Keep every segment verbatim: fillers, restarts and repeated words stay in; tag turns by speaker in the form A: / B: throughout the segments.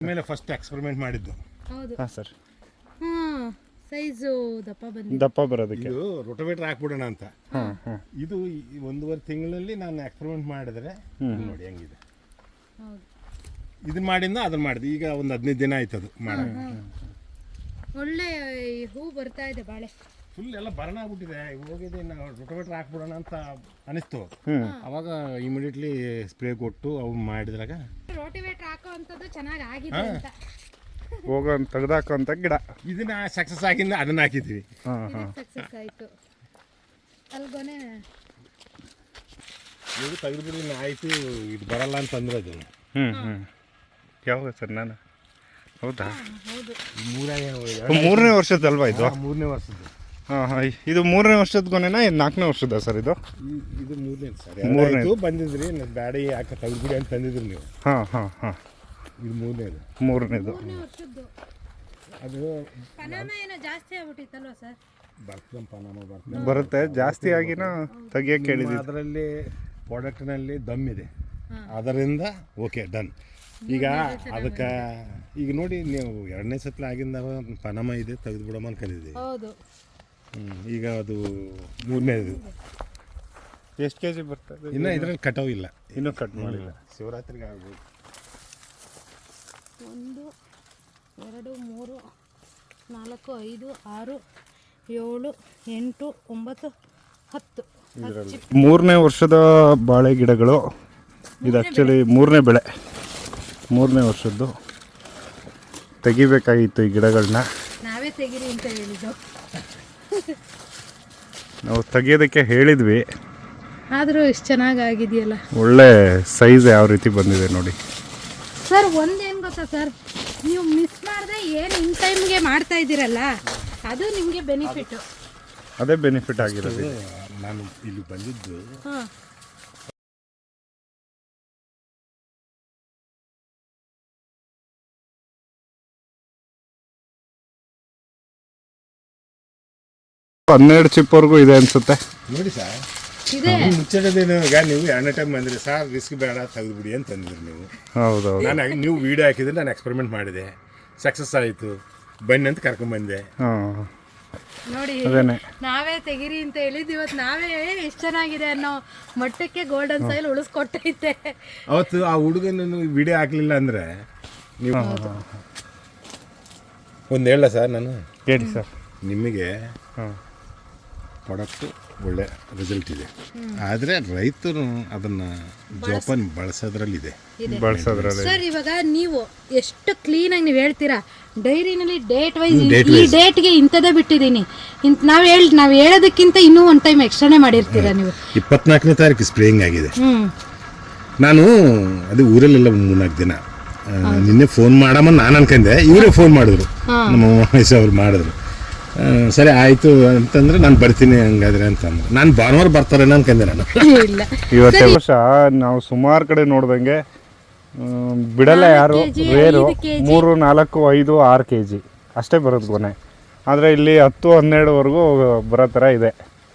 A: ಮೇಲೆ first experiment ಮಾಡಿದ್ದು.
B: ಹೌದು
C: ಹಾಂ ಸರ್.
B: ಹಾಂ ಸೈಜು ದಪ್ಪ ಬಂದಿದೆ.
C: ದಪ್ಪ ಬರೋದಕ್ಕೆ
A: ಇದು ರೋಟೋವೇಟರ್ ಹಾಕ್ಬಿಡೋಣ ಅಂತ.
C: ಹಾಂ ಹಾಂ
A: ಇದು ಈ ಒಂದೂವರೆ ತಿಂಗಳಲ್ಲಿ ನಾನು ಎಕ್ಸ್ಪೆರಿಮೆಂಟ್ ಮಾಡಿದ್ರೆ ನೋಡಿ ಹೆಂಗಿದೆ.
B: ಹೌದು
A: ಇದನ್ನ ಮಾಡಿಂದ ಅದನ್ನ ಮಾಡಿದೆ. ಈಗ ಒಂದು ಹದಿನೈದು ದಿನ ಆಯ್ತು ಅದು ಮಾಡೋದು.
B: ಒಳ್ಳೆ ಹೂ ಬರ್ತಾ ಇದೆ ಬಾಳೆ.
A: ಫುಲ್ ಎಲ್ಲ ಬರಣ ಆಗ್ಬಿಟ್ಟಿದೆ. ಹೋಗಿದೆ ನಾವು ರೋಟೋವೇಟರ್ ಹಾಕ್ಬಿಡೋಣ ಅಂತ ಅನಿಸ್ತು.
C: ಹ್ಮ್.
A: ಅವಾಗ ಇಮಿಡಿಯೇಟ್ಲಿ ಸ್ಪ್ರೇ ಕೊಟ್ಟು ಅವು ಮಾಡಿದ್ರಾಗ
B: ರೋಟಿವೇಟರ್ ಹಾಕೋ ಅಂಥದ್ದು ಚೆನ್ನಾಗಿ ಆಗಿದೆ ಅಂತ
C: ಹೋಗೋ ತೆಗ್ದಾಕೋಂಥ ಗಿಡ.
A: ಇದನ್ನ ಸಕ್ಸಸ್ ಆಗಿಂದ ಅದನ್ನ ಹಾಕಿದ್ವಿ.
C: ಹಾಂ ಹಾಂ
B: ಸಕ್ಸಸ್ ಆಯಿತು ಅಲ್ಗೊನೆ.
A: ಇದು ತೆಗೆದುಬಿಡಿ ಆಯಿತು, ಇದು ಬರಲ್ಲ ಅಂತಂದ್ರೆ ಅದು.
C: ಹ್ಞೂ ಹ್ಞೂ ಯಾವಾಗ ಸರ್ ನಾನು ಹೌದಾ
B: ಹೌದು
A: ಮೂರ
C: ಮೂರನೇ ವರ್ಷದಲ್ವಾ ಇದು?
A: ಮೂರನೇ ವರ್ಷದ್ದು.
C: ಹಾಂ ಹಾಂ ಇದು ಮೂರನೇ ವರ್ಷದ ಗೊನೆನಾ ಇದು ನಾಲ್ಕನೇ ವರ್ಷದ ಸರ್ ಇದು?
A: ಈ- ಇದು ಮೂರನೇ ಸರ್.
C: ಮೂರನೇ.
A: ಮೂರನೇ ಬಂದಿದ್ರಿ ಬ್ಯಾಡಿ ಯಾಕೆ ತೆಗೆದುಬಿಡಿ ಅಂತ ತಂದಿದ್ರಿ ನೀವು.
C: ಹಾಂ ಹಾಂ ಹಾಂ
A: ಇದು ಮೂರನೇದು.
C: ಮೂರನೇದು.
B: ಮೂರನೇ ವರ್ಷದ್ದು
A: ಅದು
B: ಪನಾಮ ಏನೋ ಜಾಸ್ತಿ ಆಗ್ಬಿಟ್ಟಿತ್ತಲ್ವ ಸರ್?
A: ಬರ್ತದಪ್ಪ ನಮ್ಮ ಬರ್ತದೆ.
C: ಬರುತ್ತೆ ಜಾಸ್ತಿ ಆಗಿನ ತೆಗಿಯಕ್ಕೆ ಹೇಳಿದ್ವಿ.
A: ಅದರಲ್ಲಿ ಪ್ರಾಡಕ್ಟ್ನಲ್ಲಿ ದಮ್ ಇದೆ, ಅದರಿಂದ ಓಕೆ ಡನ್. ಈಗ ಅದಕ್ಕೆ ಈಗ ನೋಡಿ ನೀವು ಎರಡನೇ ಸತ್ಲ ಆಗಿಂದ ಪನಮ ಇದೆ ತೆಗೆದು ಬಿಡಮ್ಮ ಅನ್ಕೊಂಡಿದ್ದೀವಿ.
B: ಹೌದು
A: ಹ್ಞೂ ಈಗ ಅದು ಮೂರನೇದು.
C: ಎಷ್ಟು ಕೆ ಜಿ ಬರ್ತದೆ?
A: ಇನ್ನು ಇದರಲ್ಲಿ ಕಟಾವು ಇಲ್ಲ,
C: ಇನ್ನೂ ಕಟ್ ಮಾಡಿಲ್ಲ.
A: ಶಿವರಾತ್ರಿಗೆ ಆಗ್ಬೋದು.
B: ಒಂದು ಎರಡು ಮೂರು ನಾಲ್ಕು ಐದು ಆರು ಏಳು ಎಂಟು ಒಂಬತ್ತು ಹತ್ತು.
C: ಇದರಲ್ಲಿ ಮೂರನೇ ವರ್ಷದ ಬಾಳೆ ಗಿಡಗಳು ಇದು. ಆ್ಯಕ್ಚುಲಿ ಮೂರನೇ ಬೆಳೆ, ಮೂರನೇ ವರ್ಷದ್ದು. ತೆಗಿಬೇಕಾಗಿತ್ತು ಈ ಗಿಡಗಳನ್ನ.
B: ನಾವೇ ತೆಗೀರಿ ಅಂತ ಹೇಳಿದ್ದು.
C: ನಾವು ತೆಗಿಯೋದಕ್ಕೆ ಹೇಳಿದ್ವಿ.
B: ಆದರೂ ಇಷ್ಟು ಚೆನ್ನಾಗಿ ಆಗಿದೆಯಲ್ಲ.
C: ಒಳ್ಳೆ ಸೈಜ್ ಯಾವ ರೀತಿ ಬಂದಿದೆ ನೋಡಿ
B: ಸರ್. ಒಂದೇನು ಗೊತ್ತಾ ಸರ್, ನೀವು ಮಿಸ್ ಮಾಡದೆ ಏನು ಇನ್ ಟೈಮ್ಗೆ ಮಾಡ್ತಾ ಇದ್ದೀರಲ್ಲ, ಅದು ನಿಮಗೆ ಬೆನಿಫಿಟ್ಟು.
C: ಅದೇ ಬೆನಿಫಿಟ್ ಆಗಿರೋದು.
A: ನಾನು ಇಲ್ಲಿ ಬಂದಿದ್ದು
B: ಹಾಂ
C: ಹನ್ನೆರಡು ಚಿಪ್ಪವರೆಗೂ ಇದೆ ಅನ್ಸುತ್ತೆ
A: ನೋಡಿ ಸರ್.
B: ಇದೆ
A: ಮುಚ್ಚಡದೇನು ಈಗ ನೀವು ಎರಡನೇ ಟೈಮ್ ಬಂದ್ರಿ ಸರ್, ರಿಸ್ಕ್ ಬೇಡ ತೆಗೆದುಬಿಡಿ ಅಂತ ತಂದಿದ್ರಿ ನೀವು.
C: ಹೌದೌದು.
A: ನಾನು ನೀವು ವೀಡಿಯೋ ಹಾಕಿದ್ರೆ ನಾನು ಎಕ್ಸ್ಪೆರಿಮೆಂಟ್ ಮಾಡಿದೆ, ಸಕ್ಸಸ್ ಆಯಿತು, ಬನ್ನಿ ಅಂತ ಕರ್ಕೊಂಡ್ಬಂದೆ.
C: ಹಾಂ
B: ನೋಡಿ,
C: ಅದೇನೆ
B: ನಾವೇ ತೆಗಿರಿ ಅಂತ ಹೇಳಿದ್ದು. ಇವತ್ತು ನಾವೇ ಎಷ್ಟು ಚೆನ್ನಾಗಿದೆ ಅನ್ನೋ ಮಟ್ಟಕ್ಕೆ ಗೋಲ್ಡನ್ ಸಾಯಿಲ್ ಉಳಿಸ್ಕೊಟ್ಟೈತೆ.
A: ಅವತ್ತು ಆ ಹುಡುಗನನ್ನು ವಿಡಿಯೋ ಹಾಕಲಿಲ್ಲ ಅಂದರೆ ನೀವು ಒಂದು ಹೇಳ ಸರ್, ನಾನು
C: ಹೇಳಿ ಸರ್.
A: ನಿಮಗೆ
C: ಹಾಂ
A: ಪ್ರಾಡಕ್ಟು ಒಳ್ಳೆ ರಿಸಲ್ಟ್ ಇದೆ, ಆದರೆ ರೈತರು ಅದನ್ನು ಜೋಪಾನ ಬಳಸೋದ್ರಲ್ಲಿದೆ.
C: ಬಳಸೋದ್ರಲ್ಲಿ
B: ಸರ್ ಇವಾಗ ನೀವು ಎಷ್ಟು ಕ್ಲೀನಾಗಿ ನೀವು ಹೇಳ್ತೀರಾ, ಡೈರಿನಲ್ಲಿ ಡೇಟ್ ವೈಸ್
A: date
B: ಈ ಡೇಟ್ಗೆ ಇಂಥದ್ದೇ ಬಿಟ್ಟಿದ್ದೀನಿ ಇಂತ ನಾವು ಹೇಳಿ ನಾವು ಹೇಳೋದಕ್ಕಿಂತ ಇನ್ನೂ ಒಂದು ಟೈಮ್ ಎಕ್ಸ್ಟ್ರಾನೇ ಮಾಡಿರ್ತೀರಾ ನೀವು.
A: ಇಪ್ಪತ್ನಾಲ್ಕನೇ ತಾರೀಕು ಸ್ಪ್ರೇಯಿಂಗ್ ಆಗಿದೆ.
B: ಹ್ಞೂ
A: ನಾನು ಅದು ಊರಲ್ಲೆಲ್ಲ ಮೂರ್ನಾಲ್ಕು ದಿನ ಆ, ನಿನ್ನೆ ಫೋನ್ ಮಾಡಮ್ಮ ನಾನು ಅನ್ಕೊಂಡೆ, ಇವರೇ ಫೋನ್ ಮಾಡಿದ್ರು, ನಮ್ಮ ಮಹೇಶ್ ಅವ್ರು ಮಾಡಿದ್ರು. ಆ, ಸರಿ ಆಯಿತು ಅಂತಂದ್ರೆ ನಾನು ಬರ್ತೀನಿ ಹಂಗಾದ್ರೆ ಅಂತಂದ್ರೆ ನಾನು ಭಾನುವಾರ ಬರ್ತಾರೆ ಅನ್ಕೊಂಡೆ ನಾನು.
B: ಇಲ್ಲ
C: ಇವತ್ತೇ ವರ್ಷ ನಾವು ಸುಮಾರು ಕಡೆ ನೋಡ್ದಂಗೆ ಮ್, ಬಿಡಲ್ಲ ಯಾರು, ರೇರು. ಮೂರು ನಾಲ್ಕು ಐದು ಆರು ಕೆ ಜಿ ಅಷ್ಟೇ ಬರೋದು ಗೊನೆ. ಆದರೆ ಇಲ್ಲಿ ಹತ್ತು ಹನ್ನೆರಡುವರೆಗೂ ಬರೋ ಥರ ಇದೆ.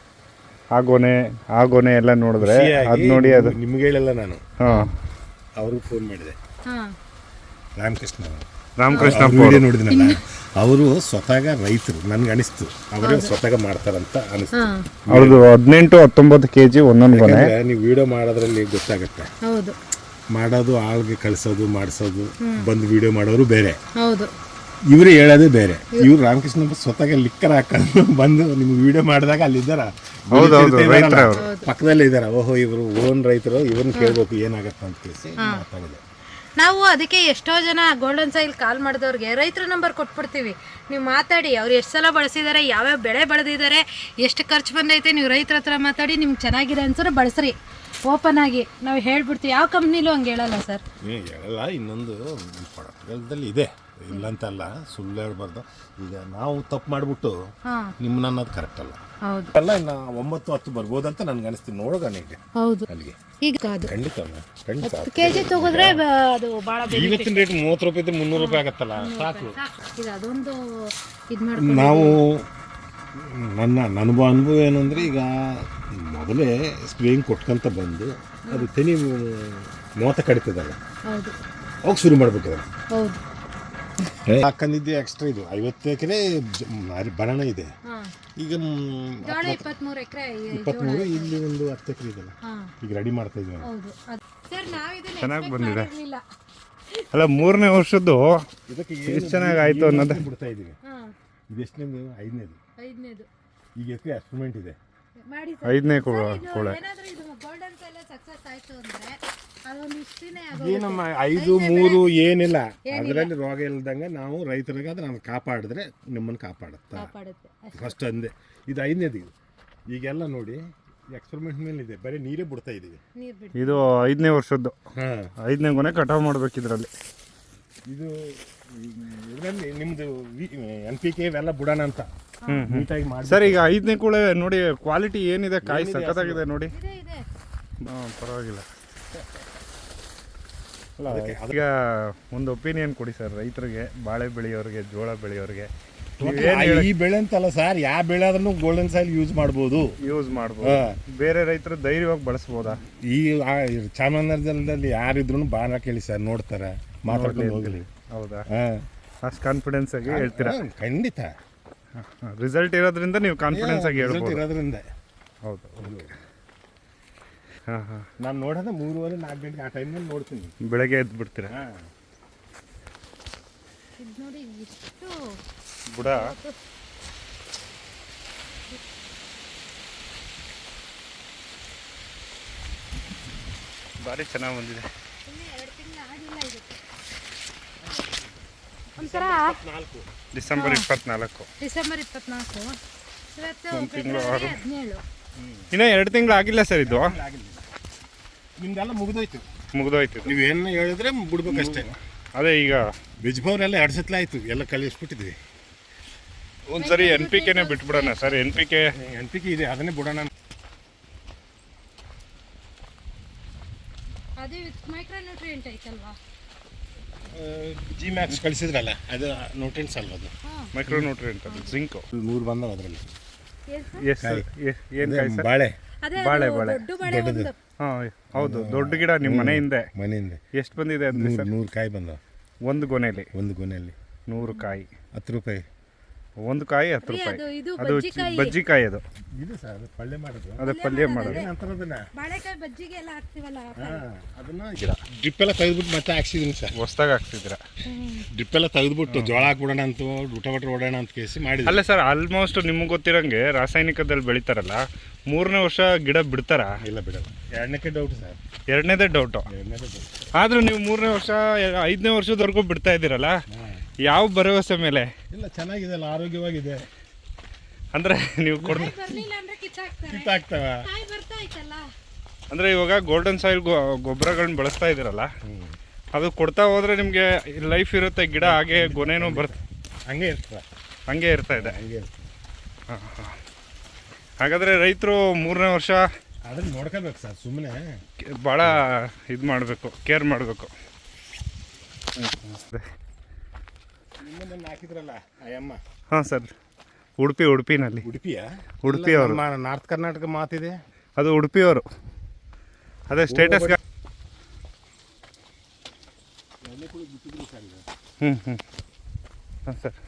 C: ಆ ಗೊನೆ ಆ ಗೊನೆ ಎಲ್ಲ ನೋಡಿದ್ರೆ ಅದು ನೋಡಿ ಅದು
A: ನಿಮ್ಗೆ ಹೇಳಲ್ಲ ನಾನು.
C: ಹಾಂ
A: ಅವ್ರಿಗೆ ಫೋನ್ ಮಾಡಿದೆ,
B: ಹಾಂ
A: ರಾಮಕೃಷ್ಣ
C: ರಾಮಕೃಷ್ಣ
A: ವಿಡಿಯೋ ನೋಡಿದ್ನಲ್ಲ, ಅವರು ಸ್ವತಃ ರೈತರು ನನಗೆ ಅನಿಸ್ತು, ಅವರೇ ಸ್ವತಃ ಮಾಡ್ತಾರಂತ ಅನಿಸ್ತು.
C: ಅವ್ರದ್ದು ಹದಿನೆಂಟು ಹತ್ತೊಂಬತ್ತು ಕೆ ಜಿ ಒಂದೊಂದು ಗೊನೆ.
A: ಯಾಕಂದ್ರೆ ನೀವು ವಿಡಿಯೋ ಮಾಡೋದ್ರಲ್ಲಿ ಗೊತ್ತಾಗುತ್ತೆ.
B: ಹೌದು
A: ಮಾಡೋದು ಆಳ್ಗೆ ಕಳಿಸೋದು ಮಾಡಿಸೋದು, ಬಂದು ವಿಡಿಯೋ ಮಾಡೋರು ಬೇರೆ,
B: ಹೌದು
A: ಇವರು ಹೇಳೋದೇ ಬೇರೆ. ಇವ್ರು ರಾಮಕೃಷ್ಣ ಸ್ವತಃ ಲಿಕ್ಕರ್ ಹಾಕೊಂಡು ಬಂದು ನಿಮ್ಗೆ ವಿಡಿಯೋ ಮಾಡಿದಾಗ ಅಲ್ಲಿದ್ದಾರ,
C: ಹೌದೌದು, ರೈತರ ಅವರು
A: ಪಕ್ಕದಲ್ಲೇ ಇದ್ದಾರ. ಓಹೋ ಇವರು ಓನ್ ರೈತರು, ಇವ್ರನ್ನ ಕೇಳ್ಬೇಕು ಏನಾಗತ್ತ ಅಂತ ಕೇಳಿಸಿ ಮಾತಾಡಿದೆ.
B: ನಾವು ಅದಕ್ಕೆ ಎಷ್ಟೋ ಜನ ಗೋಲ್ಡನ್ ಸಾಯಿಲ್ ಕಾಲ್ ಮಾಡಿದವ್ರಿಗೆ ರೈತರ ನಂಬರ್ ಕೊಟ್ಬಿಡ್ತೀವಿ, ನೀವು ಮಾತಾಡಿ, ಅವ್ರು ಎಷ್ಟು ಸಲ ಬಳಸಿದ್ದಾರೆ, ಯಾವ್ಯಾವ ಬೆಳೆ ಬೆಳೆದಿದ್ದಾರೆ, ಎಷ್ಟು ಖರ್ಚು ಬಂದೈತೆ, ನೀವು ರೈತರ ಹತ್ರ ಮಾತಾಡಿ ನಿಮ್ಗೆ ಚೆನ್ನಾಗಿದೆ ಅನ್ಸೋರು ಬಳಸ್ರಿ. ಓಪನ್ ಆಗಿ ನಾವು ಹೇಳ್ಬಿಡ್ತೀವಿ. ಯಾವ ಕಂಪ್ನಿಲೂ ಹಂಗೆ ಹೇಳಲ್ಲ ಸರ್.
A: ಹೇಳಲ್ಲ. ಇನ್ನೊಂದು ಪ್ರಾಡಕ್ಟ್ಗಳಲ್ಲಿ ಇದೆ, ಇಲ್ಲಂತಲ್ಲ, ಸುಳ್ಳು ಹೇಳ್ಬಾರ್ದು. ಈಗ ನಾವು ತಪ್ಪು ಮಾಡಿಬಿಟ್ಟು
B: ಹಾಂ
A: ನಿಮ್ಮನ್ನ ಅನ್ನೋದು ಕರೆಕ್ಟ್ ಅಲ್ಲ.
B: ಹೌದು
A: ಅಲ್ಲ, ಇನ್ನು ಒಂಬತ್ತು ಹತ್ತು ಬರ್ಬೋದಂತ ನನ್ಗೆ ಅನಿಸ್ತೀನಿ. ನೋಡೋಣ ಈಗ
B: ಹೌದು.
A: ಅಲ್ಲಿಗೆ
B: ಈಗ ಅದು
A: ಖಂಡಿತ ಖಂಡಿತ
B: ಕೆ ಜಿ ತಗೋದ್ರೆ ಬ- ಅದು ಭಾಳ
A: ಇವತ್ತಿನ ರೇಟ್ ಮೂವತ್ತು ರೂಪಾಯಿ ಇದ್ರೆ ಮುನ್ನೂರು ರೂಪಾಯಿ ಆಗತ್ತಲ್ಲ, ಸಾಕು.
B: ಇದು ಅದೊಂದು ಇದು ಮಾಡ್ಕೊಂಡು
A: ನಾವು ನನ್ನ ಅನುಭವ ಅನುಭವ ಏನಂದರೆ, ಈಗ ಮೊದಲೇ ಸ್ಪ್ರೇಯಿಂಗ್ ಕೊಟ್ಕೊಂತ ಬಂದು ಅದು ತೆನಿ ಮೂವತ್ತ ಕಡಿತದಲ್ಲ,
B: ಹೌದು
A: ಅವಾಗ ಶುರು ಮಾಡ್ಬೇಕು.
B: ಹೌದು
A: ಹಾಕೊಂಡಿದ್ದೆ ಎಕ್ಸ್ಟ್ರಾ ಇದು ಐವತ್ತು ಎಕರೆ ಬನಾನ ಇದೆ.
B: ಹಾ
A: ಈಗ ಮ್,
B: ಜೋಳ ಇಪ್ಪತ್ಮೂರು ಎಕರೆ
A: ಇಪ್ಪತ್ಮೂರು ಇಲ್ಲಿ ಒಂದು ಹತ್ತು ಎಕರೆ ಇದೆಲ್ಲ
B: ಹಾ
A: ಈಗ ರೆಡಿ ಮಾಡ್ತಾ ಇದ್ವಿ.
B: ಹೌದು ಸರ್ ನಾವು ಇದನ್ನ
C: ಚೆನ್ನಾಗಿ
B: expect
C: ಬಂದಿದೆ.
B: ಮಾಡಿರ್ಲಿಲ್ಲ.
C: ಅಲ್ಲ ಮೂರನೇ ವರ್ಷದ್ದು
A: ಇದಕ್ಕೆ
C: ಎಷ್ಟು ಚೆನ್ನಾಗಿ ಆಯ್ತು ಅನ್ನೋದು.
A: ಬಿಡ್ತಾ ಇದೀವಿ.
B: ಹಾ
A: ಇದು ಎಷ್ಟನೇದು ಐದನೇದು.
B: ಐದನೇದು
A: ಈಗ ಎಕರೆ ಎಕ್ಸ್ಪೆರಿಮೆಂಟ್ ಇದೆ.
B: ಮಾಡಿ
C: ಐದನೇ
B: ಸರ್,
C: ಕೋಳ
B: ಇದು
C: ಕೋಳೆ
B: ಏನಾದ್ರೂ ಇದು ಗೋಲ್ಡನ್ ಕೈಲ ಸಕ್ಸಸ್ ಆಯ್ತು ಅಂದ್ರೆ ಅದೊಂದು ಇಷ್ಟಿನೇ
A: ಏನಮ್ಮ ಐದು ಮೂರು ಏನಿಲ್ಲ, ಅದರಲ್ಲಿ ರೋಗ ಇಲ್ದಂಗೆ ನಾವು ರೈತರಿಗೆ ಅದನ್ನ ನಾವು ಕಾಪಾಡಿದ್ರೆ ನಿಮ್ಮನ್ನು ಕಾಪಾಡುತ್ತಾ
B: ಕಾಪಾಡುತ್ತೆ ಅಷ್ಟೇ.
A: ಫಸ್ಟ್ ಅಂದೆ. ಇದು ಐದನೇದು. ಇದು ಈಗೆಲ್ಲ ನೋಡಿ ಎಕ್ಸ್ಪೆರಿಮೆಂಟ್ ಮೇಲೆ ಇದೆ, ಬರೀ ನೀರೇ ಬಿಡ್ತಾ ಇದೀವಿ.
B: ನೀರ್ ಬಿಟ್ಟು
C: ಇದು ಐದನೇ ವರ್ಷದ್ದು
A: ಹಾಂ
C: ಐದನೇ ಕೊನೆ ಕಟಾವು ಮಾಡ್ಬೇಕು ಇದರಲ್ಲಿ.
A: ಇದು ಇದರಲ್ಲಿ ನಿಮ್ಮದು ಎನ್ ಪಿ ಕೆ ಇವೆಲ್ಲ ಬಿಡೋಣ ಅಂತ ನೀಟಾಗಿ ಮಾಡಿ.
C: ಸರ್ ಈಗ ಐದನೇ ಕೂಳೆ ನೋಡಿ ಕ್ವಾಲಿಟಿ ಏನಿದೆ, ಕಾಯಿ ಸಖತ್ತಾಗಿದೆ ನೋಡಿ.
B: ಇದೆ ಇದೆ
C: ಹಾಂ ಪರವಾಗಿಲ್ಲ.
A: ಅಲ್ಲ ಅದಕ್ಕೆ
C: ಈಗ ಒಂದು ಒಪಿನಿಯನ್ ಕೊಡಿ ಸರ್ ರೈತರಿಗೆ, ಬಾಳೆ ಬೆಳೆಯೋರಿಗೆ, ಜೋಳ ಬೆಳೆಯೋರಿಗೆ.
A: ಈ ಬೆಳೆ ಅಂತಲ್ಲ ಸರ್, ಯಾವ ಬೆಳೆ ಆದ್ರೂ ಗೋಲ್ಡನ್ ಸಾಯಿಲ್ ಯೂಸ್ ಮಾಡ್ಬೋದು.
C: ಯೂಸ್ ಮಾಡ್ಬೋದು. ಬೇರೆ ರೈತರು ಧೈರ್ಯವಾಗಿ ಬಳಸ್ಬೋದಾ?
A: ಈ ಆ ಚಾಮರಾಜನಗರದಲ್ಲಿ ಯಾರಿದ್ರು ಬಾಣ ಕೇಳಿ ಸರ್, ನೋಡ್ತಾರೆ, ಮಾತಾಡ್ಕೊಂಡು ಹೋಗಲಿ.
C: ಹೌದಾ?
A: ಹಾಂ
C: ಅಷ್ಟು ಕಾನ್ಫಿಡೆನ್ಸ್ ಆಗಿ ಹೇಳ್ತೀರಾ?
A: ಖಂಡಿತ
C: ರಿಸಲ್ಟ್ ಇರೋದ್ರಿಂದ ನೀವು ಕಾನ್ಫಿಡೆನ್ಸ್ ಆಗಿ ಹೇಳ್ಬೋದು.
A: ಇರೋದ್ರಿಂದ.
C: ಹೌದು. ಹಾಂ ಹಾಂ
A: ನಾನು ನೋಡೋದ ಮೂರುವರೆ ನಾಲ್ಕು ಗಂಟೆ ಆ ಟೈಮ್ನಲ್ಲಿ ನೋಡ್ತೀನಿ.
C: ಬೆಳಗ್ಗೆ ಎದ್ದು ಬಿಡ್ತೀರಾ?
A: ಹಾಂ
B: ಇದು ನೋಡಿ ಎಷ್ಟು
C: ಬುಡ. ಭಾರಿ ಚೆನ್ನಾಗಿ ಬಂದಿದೆ.
B: ಇನ್ನು ಎರಡು ತಿಂಗಳು ಆಗಿಲ್ಲ ಇದಕ್ಕೆ. ಒಂಥರ
A: ನಾಲ್ಕು
C: ಡಿಸೆಂಬರ್ ಇಪ್ಪತ್ನಾಲ್ಕು.
B: ಡಿಸೆಂಬರ್ ಇಪ್ಪತ್ನಾಲ್ಕು ಇವತ್ತು
C: ಒಂದು ತಿಂಗಳು
B: ಫೆಬ್ರವರಿ
C: ಆರು.
B: ಹದಿನೇಳು.
C: ಇನ್ನೂ ಎರಡು ತಿಂಗಳು ಆಗಿಲ್ಲ ಸರ್ ಇದು.
A: ಆಗಿಲ್ಲ. ನಿಮ್ದೆಲ್ಲ ಮುಗಿದೋಯ್ತು.
C: ಮುಗಿದೋಯ್ತು.
A: ನೀವು ಏನು ಹೇಳಿದ್ರೆ ಬಿಡ್ಬೇಕಷ್ಟೇ.
C: ಅದೇ ಈಗ
A: ಬಿಜ್ಬವ್ರೆಲ್ಲ ಎರಡು ಸತ್ಲ ಆಯಿತು, ಎಲ್ಲ ಕಳಿಸ್ಬಿಟ್ಟಿದ್ವಿ.
C: ಒಂದ್ಸರಿ ಎನ್ ಪಿ ಕೆನೇ ಬಿಟ್ಬಿಡೋಣ ಸರ್. N P K
A: N P K ಇದೆ, ಅದನ್ನೇ ಬಿಡೋಣ.
B: ಅದು ಮೈಕ್ರೋ ನ್ಯೂಟ್ರಿಯೆಂಟ್ ಐತಲ್ವಾ?
A: ಜಿ ಮ್ಯಾಕ್ಸ್ ಕಳಿಸಿದ್ರಲ್ಲ, ಅದು ನ್ಯೂಟ್ರಿಯೆಂಟ್ಸ್ ಅಲ್ವ ಅದು.
B: ಹಾಂ
C: ಮೈಕ್ರೋ ನ್ಯೂಟ್ರಿಯೆಂಟ್ ಅದು ಜಿಂಕು.
A: ಮೂರು ಬಂದವ ಅದರಲ್ಲಿ.
B: ಏನು ಸರ್?
C: ಎಸ್ ಏನು ಕಾಯಿ ಸರ್?
A: ಬಾಳೆ
B: ಅದೇ
C: ಬಾಳೆ,
B: ಅದು
C: ಬಾಳೆ.
B: ದೊಡ್ಡ ಬಾಳೆ ಒಂದು
C: ಹಾಂ ಹೌದು, ದೊಡ್ಡ ಗಿಡ ನಿಮ್ಮ ಮನೆ ಹಿಂದೆ.
A: ಮನೆಯಿಂದ
C: ಎಷ್ಟು ಬಂದಿದೆ ಅಂದ್ರೆ
A: ನೂರು
C: ಸರ್?
A: ನೂರು ಕಾಯಿ ಬಂದವ
C: ಒಂದು ಗೊನೆಯಲ್ಲಿ
A: ಒಂದು ಗೊನೆಯಲ್ಲಿ.
C: ನೂರು ಕಾಯಿ,
A: ಹತ್ತು ರೂಪಾಯಿ
C: ಒಂದು ಕಾಯಿ ಹತ್ತು
B: ರೀ,
C: ರೂಪಾಯಿ.
B: ಅದು ಇದು
C: ಅದು
B: ಬಜ್ಜಿಕಾಯಿ.
C: ಬಜ್ಜಿಕಾಯಿ ಅದು.
A: ಇದು ಸರ್ ಪಲ್ಯ ಮಾಡೋದು.
C: ಅದೇ ಪಲ್ಯ ಮಾಡೋದು.
A: ಏನಂತಾರೆ ಅದನ್ನ?
B: ಬಾಳೆಕಾಯಿ ಬಜ್ಜಿಗೆ ಎಲ್ಲ ಹಾಕ್ತಿವಲ್ಲ ಆ ಕಾಯಿ.
A: ಹಾಂ, ಅದನ್ನ ಡ್ರಿಪ್ ಎಲ್ಲ ತೆಗೆದ್ಬಿಟ್ಟು ಮತ್ತೆ ಹಾಕ್ಸಿದೀನಿ ಸರ್.
C: ಹೊಸ್ದಾಗಿ ಹಾಕ್ತಿದ್ದೀರಾ?
A: ಡ್ರಿಪ್ ಎಲ್ಲ ತೆಗೆದ್ಬಿಟ್ಟು ಜೋಳ ಹಾಕ್ಬಿಡೋಣ ಅಂತ ಊಟ ಬಟ್ರೆ ಓಡೋಣ ಅಂತ ಕೇಸಿ ಮಾಡಿದ್ವಿ.
C: ಅಲ್ಲ ಸರ್, ಆಲ್ಮೋಸ್ಟ್ ನಿಮ್ಗೆ ಗೊತ್ತಿರಂಗೆ ರಾಸಾಯನಿಕದಲ್ಲಿ ಬೆಳಿತಾರಲ್ಲ, ಮೂರನೇ ವರ್ಷ ಗಿಡ ಬಿಡ್ತಾರ?
A: ಇಲ್ಲ ಬಿಡಲ್ಲ. ಎರಡನೇಕ್ಕೆ ಡೌಟ್ ಸರ್.
C: ಎರಡನೇದೇ ಡೌಟು.
A: ಎರಡನೇದೇ ಡೌಟ್.
C: ಆದರೂ ನೀವು ಮೂರನೇ ವರ್ಷ ಐದನೇ ವರ್ಷದವರೆಗೂ ಬಿಡ್ತಾ ಇದ್ದೀರಲ್ಲ, ಯಾವ ಭರವಸೆ ಮೇಲೆ?
A: ಇಲ್ಲ ಚೆನ್ನಾಗಿದೆ, ಅಲ್ಲ ಆರೋಗ್ಯವಾಗಿದೆ.
C: ಅಂದರೆ ನೀವು ಕೊಡ್
B: ಕಾಯಿ ಬರ್ಲಿಲ್ಲ ಅಂದ್ರೆ ಕಿತ್ತಾಕ್ತಾರೆ.
A: ಕಿತ್ತಾಗ್ತವ.
B: ಕಾಯಿ ಬರ್ತಾ ಐತಲ್ಲ.
C: ಅಂದರೆ ಇವಾಗ ಗೋಲ್ಡನ್ ಸಾಯಿಲ್ ಗೊಬ್ಬರಗಳನ್ನ ಬಳಸ್ತಾ ಇದ್ದೀರಲ್ಲ, ಅದು ಕೊಡ್ತಾ ಹೋದರೆ ನಿಮಗೆ ಲೈಫ್ ಇರುತ್ತೆ, ಗಿಡ ಹಾಗೆ ಗೊನೆನೂ ಬರುತ್ತೆ,
A: ಹಂಗೆ ಇರ್ತದೆ.
C: ಹಂಗೆ ಇರ್ತಾ ಇದೆ.
A: ಹಂಗೆ ಇರ್ತದೆ.
C: ಹಾಂ ಹಾಂ ಹಾಗಾದರೆ ರೈತರು ಮೂರನೇ ವರ್ಷ
A: ಅದನ್ನ ನೋಡ್ಕೋಬೇಕು ಸರ್, ಸುಮ್ಮನೆ
C: ಭಾಳ ಇದು ಮಾಡಬೇಕು, ಕೇರ್ ಮಾಡಬೇಕು.
A: ನಿನ್ನೆ ಮೊನ್ನೆ ಹಾಕಿದ್ರಲ್ಲ ಅಯ್ಯಮ್ಮ.
C: ಹಾಂ ಸರ್, ಉಡುಪಿ ಉಡುಪಿನಲ್ಲಿ.
A: ಉಡುಪಿಯ
C: ಉಡುಪಿ ಅವರು.
A: ನಾರ್ತ್ ಕರ್ನಾಟಕ ಮಾತಿದೆ.
C: ಅದು ಉಡುಪಿಯವರು. ಅದೇ ಸ್ಟೇಟಸ್. ಹ್ಞೂ ಹ್ಞೂ ಹಾಂ ಸರ್.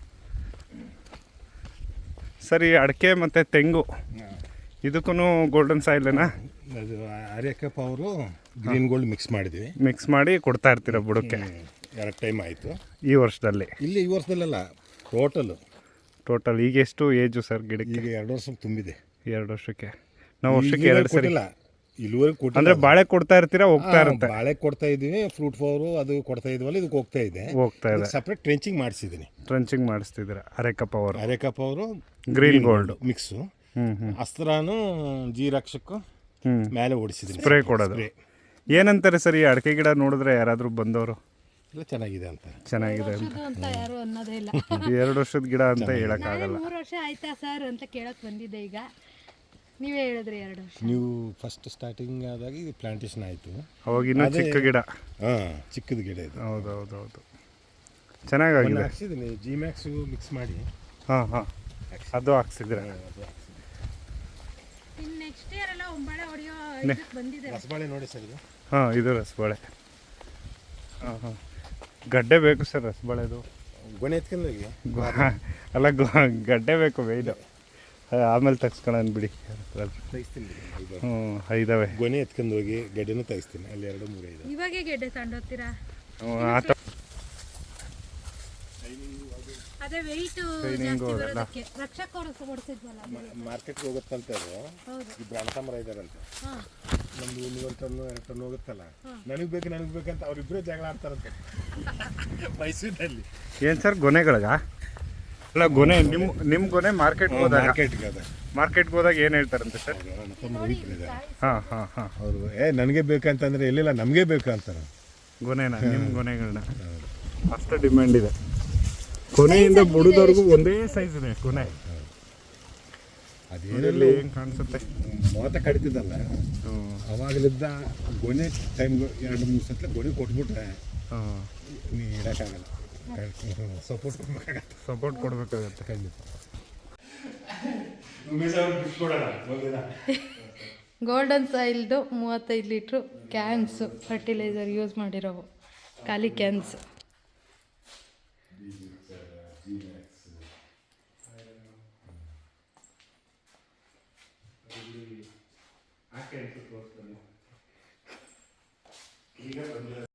C: ಸರ್, ಈ ಅಡಿಕೆ ಮತ್ತು ತೆಂಗು ಇದಕ್ಕೂ ಗೋಲ್ಡನ್ ಸಾಯಿಲೇನಾ?
A: ಅದು ಆರ್ಯಕಪ್ಪ ಅವರು ಗ್ರೀನ್ ಗೋಲ್ಡ್ ಮಿಕ್ಸ್ ಮಾಡಿದ್ವಿ.
C: ಮಿಕ್ಸ್ ಮಾಡಿ ಕೊಡ್ತಾ ಇರ್ತೀರ ಬುಡಕ್ಕೆ?
A: ಎರಡು ಟೈಮ್ ಆಯಿತು
C: ಈ ವರ್ಷದಲ್ಲಿ?
A: ಇಲ್ಲಿ ಈ ವರ್ಷದಲ್ಲ, ಟೋಟಲ್
C: ಟೋಟಲ್ ಈಗ ಎಷ್ಟು ಏಜು ಸರ್ ಗಿಡಕ್ಕೆ?
A: ಈಗ ಎರಡು ವರ್ಷ ತುಂಬಿದೆ.
C: ಎರಡು ವರ್ಷಕ್ಕೆ ನಾವು ವರ್ಷಕ್ಕೆ ಎರಡು ಸರಿ
A: ಕೊಟ್ಟಿಲ್ಲ, ಇಲ್ಲಿವರೆಗೆ ಕೊಟ್ಟಿಲ್ಲ.
C: ಅಂದರೆ ಬಾಳೆ ಕೊಡ್ತಾ ಇರ್ತೀರಾ? ಹೋಗ್ತಾ ಇರುತ್ತೆ.
A: ಬಾಳೆ ಕೊಡ್ತಾ ಇದ್ದೀವಿ, ಫ್ರೂಟ್ ಫ್ಲವರು ಅದು ಕೊಡ್ತಾ ಇದೀವಲ್ಲ, ಇದಕ್ಕೆ ಹೋಗ್ತಾ ಇದೆ.
C: ಹೋಗ್ತಾ ಇದೆ.
A: ಸಪ್ರೇಟ್ ಟ್ರೆಂಚಿಂಗ್ ಮಾಡಿಸಿದ್ದೀನಿ.
C: ಟ್ರಂಚಿಂಗ್ ಮಾಡಿಸ್ತಿದ್ದೀರಾ ಅರೇಕಪ್ಪ ಅವರು?
A: ಅರೇಕಪ್ಪ ಅವರು
C: ಗ್ರೀನ್ ಗೋಲ್ಡ್
A: ಮಿಕ್ಸು.
C: ಹ್ಞೂ ಹ್ಞೂ
A: ಅಸ್ತ್ರಾನು ಜೀರಾಕ್ಷಕ್ಕೂ
C: ಹ್ಞೂ
A: ಮೇಲೆ ಓಡಿಸಿದ್ದೀನಿ.
C: ಸ್ಪ್ರೇ ಕೊಡೋದು. ಏನಂತಾರೆ ಸರ್ ಈ ಅಡಿಕೆ ಗಿಡ ನೋಡಿದ್ರೆ ಯಾರಾದರೂ ಬಂದವರು?
A: ಎಲ್ಲ ಚೆನ್ನಾಗಿದೆ ಅಂತ.
C: ಚೆನ್ನಾಗಿದೆ ಅಂತ
B: ಇದು ಅಂತ ಯಾರು ಅನ್ನೋದೇ ಇಲ್ಲ.
C: ಎರಡು ವರ್ಷದ ಗಿಡ ಅಂತ
B: ನಾನೇ
C: ಹೇಳೋಕ್ಕಾಗಲ್ಲ.
B: ಮೂರು ವರ್ಷ ಆಯ್ತಾ ಸರ್ ಅಂತ ಕೇಳಕ್ ಬಂದಿದ್ದೆ. ಈಗ ನೀವೇ ಹೇಳಿದ್ರಿ ಎರಡು ವರ್ಷ.
A: ನೀವು ಫಸ್ಟ್ ಸ್ಟಾರ್ಟಿಂಗ್ ಆದಾಗ ಇದು ಪ್ಲಾಂಟೇಶನ್ ಆಯಿತು.
C: ಅವಾಗ ಇನ್ನೂ ಚಿಕ್ಕ ಗಿಡ.
A: ಹಾಂ, ಚಿಕ್ಕದ ಗಿಡ ಇದು.
C: ಹೌದು ಹೌದು ಹೌದು ಚೆನ್ನಾಗಾಗಿದೆ.
A: ಹಾಕ್ಸಿದ್ದೀನಿ ಜಿ ಮ್ಯಾಕ್ಸು ಮಿಕ್ಸ್ ಮಾಡಿ.
C: ಹಾಂ ಹಾಂ ಅದು ಹಾಕ್ಸಿದ್ರೆ
B: ಇನ್ನು ನೆಕ್ಸ್ಟ್ ಇಯರ್ ಎಲ್ಲ ಒಂಬಾಳೆ ಹೊಡೆಯೋ ಇದಕ್ಕೆ ಬಂದಿದೆ.
A: ರಸಬಾಳೆ ನೋಡಿ ಸರ್ ಇದು.
C: ಹಾಂ ಇದು ರಸಬಾಳೆ. ಹಾಂ ಹಾಂ ಗಡ್ಡೆ ಬೇಕು ಸರ್ ರಸಬಾಳೆದು.
A: ಗೊನೆ ಎತ್ಕೊಂಡು ಹೋಗಿ
C: ಗೊ- ಅಲ್ಲ ಗೊ- ಗಡ್ಡೆ ಬೇಕು ಮೇಯ್ನು. ಆಮೇಲೆ ತೆಗ್ಸ್ಕೊಳ್ಳೋಣ ಬಿಡಿ.
A: ತೆಗಿಸ್ತೀನಿ ಬಿಡಿ.
C: ಹ್ಞೂ ಇದ್ದಾವೆ.
A: ಗೊನೆ ಎತ್ಕೊಂಡು ಹೋಗಿ ಗಡ್ಡೆನೂ ತೆಗಿಸ್ತೀನಿ. ಅಲ್ಲಿ ಎರಡು ಮೂರು ಇದೆ.
B: ಇವಾಗೆ ಗೆಡ್ಡೆ ತಗೊಂಡೋಗ್ತೀರಾ?
C: ಹ್ಞೂ ಆ ಥರ
B: ಅದೇ ವೆಯ್ಟು
C: Training
B: ಜಾಸ್ತಿ
C: ಹೋಗಲ್ಲ.
B: ಬರೋದಕ್ಕೆ ರಕ್ಷಕ್ ಹೊಡ್ಸ್- ಹೊಡ್ಸಿದ್ವಲ್ಲ ಆಮೇಲೆ.
A: ಮಾರ್ಕೆಟ್ಗೆ ಹೋಗುತ್ತಂತ ಅದು
B: ಹೌದು.
A: ಇಬ್ರು ಅಣ್ಣ ತಮ್ಮರ ಇದ್ದಾರಂತೆ.
B: ಹಾಂ
A: ನಮ್ದು ಒಂದೂವರೆ ಟನ್ನು ಎರಡು ಟನ್ ಹೋಗುತ್ತಲ್ಲ, ನನಗೆ ಬೇಕು ನನಗೆ ಬೇಕಂತ ಅವ್ರಿಬ್ಬರೇ ಜಗಳ ಆಡ್ತಾರಂತೆ ಮೈಸೂರಿನಲ್ಲಿ.
C: ಏನು ಸರ್ ಗೊನೆಗಳಿಗ? ಅಲ್ಲ ಗೊನೆ ನಿಮ್ಮ ನಿಮ್ಮ ಗೊನೆ ಮಾರ್ಕೆಟ್ಗೆ ಹೋದಾಗ
A: ಮಾರ್ಕೆಟ್ಗೆ ಅದ
C: ಮಾರ್ಕೆಟ್ಗೆ ಹೋದಾಗ ಏನು ಹೇಳ್ತಾರಂತೆ ಸರ್?
A: ಅಣ್ಣ ತಮ್ಮರು ಇಬ್ರು ಇದ್ದಾರೆ.
C: ಹಾಂ ಹಾಂ ಹಾಂ
A: ಅವರು ಏ ನನಗೆ ಬೇಕಂತಂದ್ರೆ ಎಲ್ಲಿಲ್ಲ ನಮಗೆ ಬೇಕು ಅಂತಾರೆ.
C: ಗೊನೆನ ನಿಮ್ಮ ಗೊನೆಗಳನ್ನ ಅಷ್ಟು ಡಿಮ್ಯಾಂಡ್ ಇದೆ. ಕೊನೆಯಿಂದ ಬುಡದವರೆಗೂ ಒಂದೇ ಸೈಜ್ ಇದೆ ಕೊನೆ.
A: ಅದೇನಲ್ಲಿ
C: ಹೆಂಗೆ ಕಾಣಿಸುತ್ತೆ?
A: ಮೋತ ಕಡಿತಿದ್ದಲ್ಲ
C: ಹ್ಞೂ
A: ಅವಾಗಲಿದ್ದ ಗೊನೆ ಟೈಮ್ ಎರಡು ಮೂರು ಸಲ ಗೊನೆ ಕೊಟ್ಬಿಟ್ರೆ
C: ಹಾಂ
A: ನೀ ಇಡೋಕ್ಕಾಗಲ್ಲ. ಸಪೋರ್ಟ್ ಕೊಡ್ಬೇಕಾಗತ್ತೆ.
C: ಸಪೋರ್ಟ್ ಕೊಡಬೇಕಾಗತ್ತೆ.
A: ಖಂಡಿತ.
B: ಗೋಲ್ಡನ್ ಸಾಯಿಲ್ದು ಮೂವತ್ತೈದು ಲೀಟ್ರು ಕ್ಯಾನ್ಸು ಫರ್ಟಿಲೈಸರ್ ಯೂಸ್ ಮಾಡಿರೋವು, ಖಾಲಿ ಕ್ಯಾನ್ಸ್.
C: ಈಗ